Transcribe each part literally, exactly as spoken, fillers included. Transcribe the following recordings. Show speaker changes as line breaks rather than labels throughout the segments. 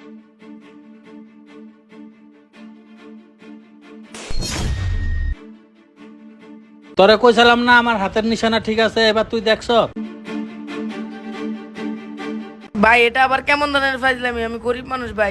তোরে কইছিলাম না আমার হাতের নিশানা ঠিক আছে, এবার তুই দেখছ?
ভাই এটা আবার কেমন ধরনের ফাইজলামি? আমি গরিব মানুষ ভাই।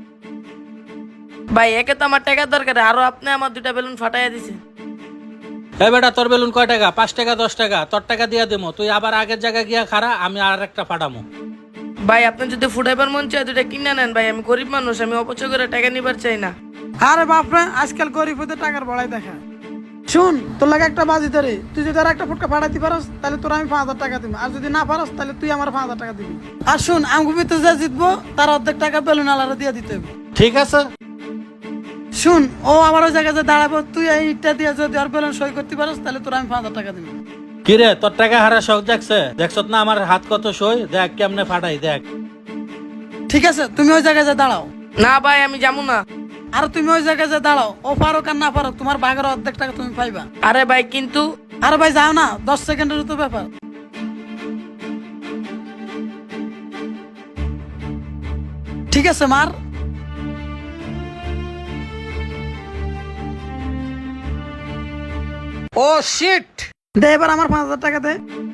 ভাই একে তো আমার টাকার দরকার, আরো আপনি আমার দুইটা বেলুন ফাটাইয়া দিছে।
এ বেটা, তোর বেলুন কয় টাকা? পাঁচ টাকা দশ টাকা? তোর টাকা দিয়া দেবো, তুই আবার আগের জায়গায় গিয়া খারা, আমি আর একটা ফাটামো।
ভাই আপনি যদি ফুটাইবার মন চায় দুইটা কিনে নেন ভাই, আমি গরিব মানুষ, আমি অপচয় করে টাকা নিবার চাই না।
আরে বাপরে, আজকাল গরিব হতে টাকার বড়াই দেখা। শুন, তোর লাগে একটা বাজি ধরে, তুই যদি আর একটা ফুটকা ফাটাইতে পারস তাহলে তোর আমি পাঁচ হাজার টাকা দিব, আর যদি না পারস তাহলে তুই আমার পাঁচ হাজার টাকা দিবি। আর শুন, আমগো ভিতরে যা জিতবো তার অর্ধেক টাকা বেলুন আলাদা দিয়ে দিতে হবে।
ঠিক আছে।
শুন, ও আমার ওই জায়গায় দাঁড়াবো, তুই এই ইটটা দিয়ে যদি আর বেলুন সই করতে পারস তাহলে তোর আমি পাঁচ হাজার টাকা দিব।
কিরে, তোর টাকা হারা শখ দেখছে? দেখছ না আমার হাত কত সই? দেখ কেমনে ফাটাই, দেখ।
ঠিক আছে, তুমি ওই জায়গায় যা দাঁড়াও।
না ভাই আমি যাবো না।
আর তুমি ওই জায়গায় যা দাঁড়াও, ও পারো আর না পারো তোমার ভাগের অর্ধেক টাকা তুমি পাইবা।
আরে ভাই কিন্তু
আরে ভাই যাও না, দশ সেকেন্ডের তো ব্যাপার। ঠিক আছে মার।
ও শিট!
দে এবার আমার পাঁচ হাজার টাকা দে।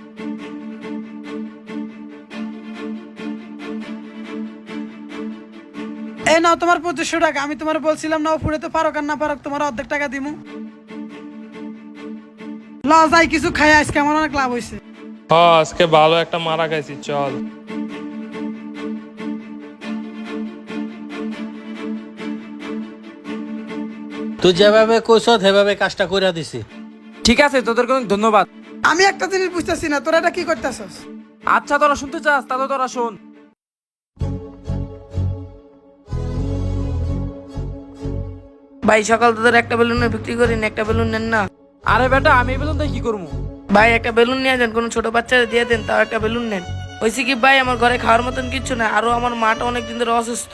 এই নাও তোমার পঁচিশশো টাকা। আমি তোমার বলছিলাম না ও ফুড়েতে পারক আর না পারক তোমার অর্ধেক টাকা দিমু। লস যাই কিছু খাই, আজকে আমার অনেক লাভ হয়েছে।
হ্যাঁ আজকে ভালো একটা মারা খাইছি, চল।
তুই যেভাবে কইছ সেভাবে কাজটা কইরা দিছি।
ঠিক আছে, তোদের অনেক ধন্যবাদ।
আমি একটা জিনিস বুঝতেছি না, তোরা এটা কি করতেছস?
আচ্ছা তোরা শুনতে চাস তাহলে তোরা শোন।
ভাই সকাল তোদের একটা বেলুনে বিক্রি করি না, একটা বেলুন নেন না।
আরে বেটা, আমি এই বেলুন দিয়ে কি করবো?
ভাই একটা বেলুন নিয়ে যান, কোনো ছোট বাচ্চারা দিয়ে দেন, তাও একটা বেলুন নেন। হয়েছে কি ভাই, আমার ঘরে খাওয়ার মতন কিচ্ছু না, আরো আমার মাটা অনেকদিন ধরে অসুস্থ।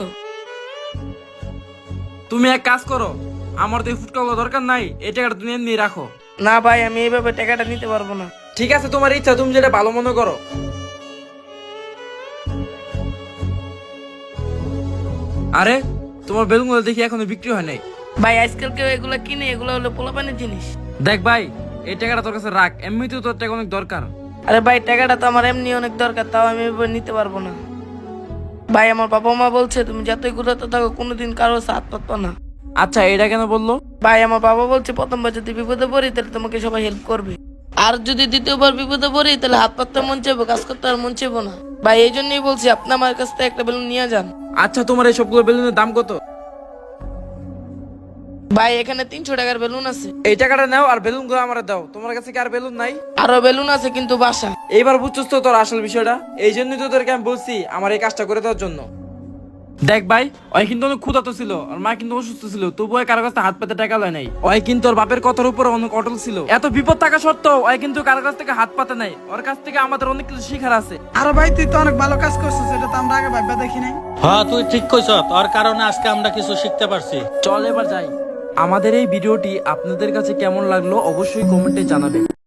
তুমি এক কাজ করো, আমার তো এই ফুটকাগুলো দরকার নাই, এই টাকাটা তুমি এমনি রাখো।
না ভাই আমি এইভাবে টাকাটা নিতে পারবো না।
ঠিক আছে, তোমার ইচ্ছা, তুমি যেটা ভালো মনে করো। আরে তোমার বেলুনগুলো দেখি এখনো বিক্রি হয় নাই।
ভাই আজকাল কেউ এগুলো কিনে? এগুলো হলো পোলাপানের জিনিস।
দেখ ভাই, এই টাকাটা তোর কাছে রাখ, এমনিতেও তোর টাকা অনেক দরকার।
আরে ভাই টাকাটা তো আমার এমনি অনেক দরকার, তাও আমি এভাবে নিতে পারবো না। ভাই আমার বাবা মা বলছে তুমি যতই ঘুরাতে থাকো কোনোদিন কারো হাত পাতবা না।
আচ্ছা এটা কেন বললো?
ভাই আমার বাবা বলছে প্রথমবার যদি বিপদে পড়ি তাহলে তোমাকে সবাই হেল্প করবে, আর যদি দ্বিতীয়বার বিপদে পড়ি তাহলে হাত পাততে মন চাইবো, কাজ করতে আর মন চাইবো না। ভাই এই জন্যই বলছি আপনি আমার কাছ থেকে একটা বেলুন নিয়ে যান।
আচ্ছা তোমার এই সবগুলো বেলুনের দাম কত?
ভাই এখানে তিনশো টাকার বেলুন আছে।
এই টাকাটা নাও আর বেলুন গুলো আমার দাও। তোমার কাছে কি আর বেলুন নাই?
আরো বেলুন আছে কিন্তু বাসা।
এইবার বুঝছস তো তোর আসল বিষয়টা। এই জন্যই তো তোদেরকে আমি বলছি আমার এই কাজটা করে দেওয়ার জন্য। দেখ ভাই, ওই কিন্তু অনেক ক্ষুধার্ত ছিল আর মা কিন্তু অসুস্থ ছিল, তবুও কারো কাছে হাত পেতে টাকা লয় নাই। ওই কিন্তু ওর বাপের কথার উপর অনেক অটল ছিল। এত বিপদ থাকা সত্ত্বেও ওই কিন্তু কারো কাছ থেকে হাত পাতে নাই। ওর কাছ থেকে আমাদের অনেক কিছু শিখার আছে।
আরে ভাই তুই তো অনেক ভালো কাজ করছিস, এটা তো আমরা আগে ভাববা দেখি নাই।
হ্যাঁ তুই ঠিক কইছ, তোর কারণে আজকে আমরা কিছু শিখতে পারছি।
চল এবার যাই। আমাদের এই ভিডিওটি আপনাদের কাছে কেমন লাগলো অবশ্যই কমেন্টে জানাবেন।